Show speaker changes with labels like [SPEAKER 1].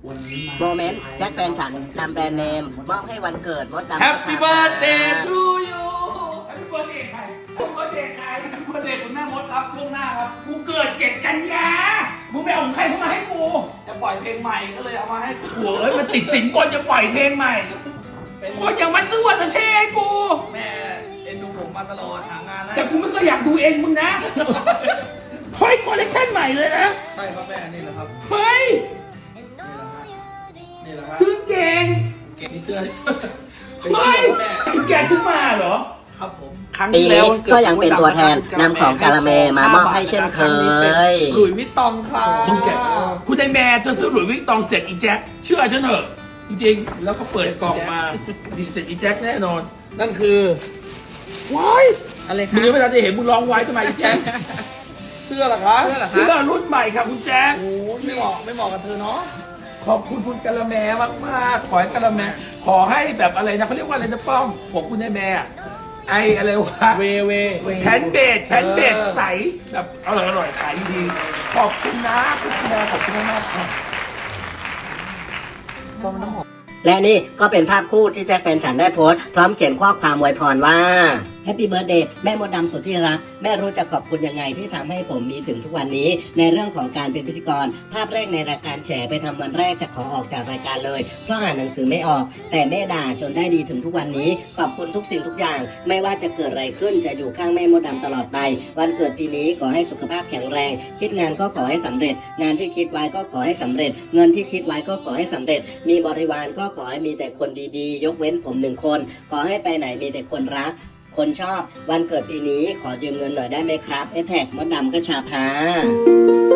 [SPEAKER 1] วันนี้มา
[SPEAKER 2] โมเมนต์แจ็คแฟนฉันนำแบรนด์เนมมอบให้วันเกิดมดดำ
[SPEAKER 1] Happy birthday to you Happy birthday ใคร Happy birthday ใคร Happy birthday คุณแม่มดครับล่วงหน้าครับกูเกิด7 กันยามึงไปเอาของใครเข้ามาให้กูจะปล่อยเพลงใหม่ก็เลยเอามาให้กูเอ้ยมันติดสินบนจะปล่อยเพลงใหม่คนอย่างมันซื้อวันละเช่ให้กูแม่เอ็นดูผมมาตลอดหางานแต่กูไม่เคยอยากดูเองมึงนะเฮ้ยคอลเลคชันใหม่เลยนะใช่ครับแม่นี่แหละครับเฮ้ยนี่แหละครับซื้อเก่งเก่งที่เสื้อเฮ้ยแกซื้อมาเหรอครับผม
[SPEAKER 2] ปีนี้ก็ยังเป็นตัวแทนนำของกาละเมมามอบให้เช่นเคย
[SPEAKER 1] หลุยส์วิตตองครับคุณนายแม่จะซื้อหลุยส์วิตตองเสร็จอีแจ็คเชื่อฉันเถอะจริงๆแล้วก็เปิดกล่องมาดีเสร็จอีแจ็คแน่นอนนั่นคือว้ายอะไรครับมึงยังไม่ทันจะเห็นมึงร้องไว้ทำไมอีแจ็คเสื้อเหรอครับเสื้อรุ่นใหม่ครับคุณแจ็คโอ้ไม่เหมาะกับเธอเนาะขอบคุณคุณกะละแมมากๆขอให้กะละแมขอให้แบบอะไรนะเขาเรียกว่าอะไรนะป้อมผมคุณนายแม่ไออะไรวะเวแผ่นเบดใสแบบอร่อยขายดีขอบคุณนะคุณแม่ขอบคุณมากครับ
[SPEAKER 2] และนี่ก็เป็นภาพคู่ที่แจ็คแฟนฉันได้โพสต์พร้อมเขียนข้อความอวยพรว่า Happy Birthday แม่มดดำสุดที่รักแม่รู้จะขอบคุณยังไงที่ทำให้ผมมีถึงทุกวันนี้ในเรื่องของการเป็นพิธีกรภาพแรกในรายการแฉไปทำวันแรกจะขอออกจากรายการเลยเพราะอ่านหนังสือไม่ออกแต่แม่ด่าจนได้ดีถึงทุกวันนี้ขอบคุณทุกสิ่งทุกอย่างไม่ว่าจะเกิดอะไรขึ้นจะอยู่ข้างแม่มดดำตลอดไปวันเกิดปีนี้ขอให้สุขภาพแข็งแรงคิดงานก็ขอให้สำเร็จงานที่คิดไว้ก็ขอให้สำเร็จเงินที่คิดไว้ก็ขอให้สำเร็จมีบริวารก็ขอให้มีแต่คนดีๆยกเว้นผม1 คนขอให้ไปไหนมีแต่คนรักคนชอบวันเกิดปีนี้ขอยืมเงินหน่อยได้ไหมครับแท็กมดดำกระชาพา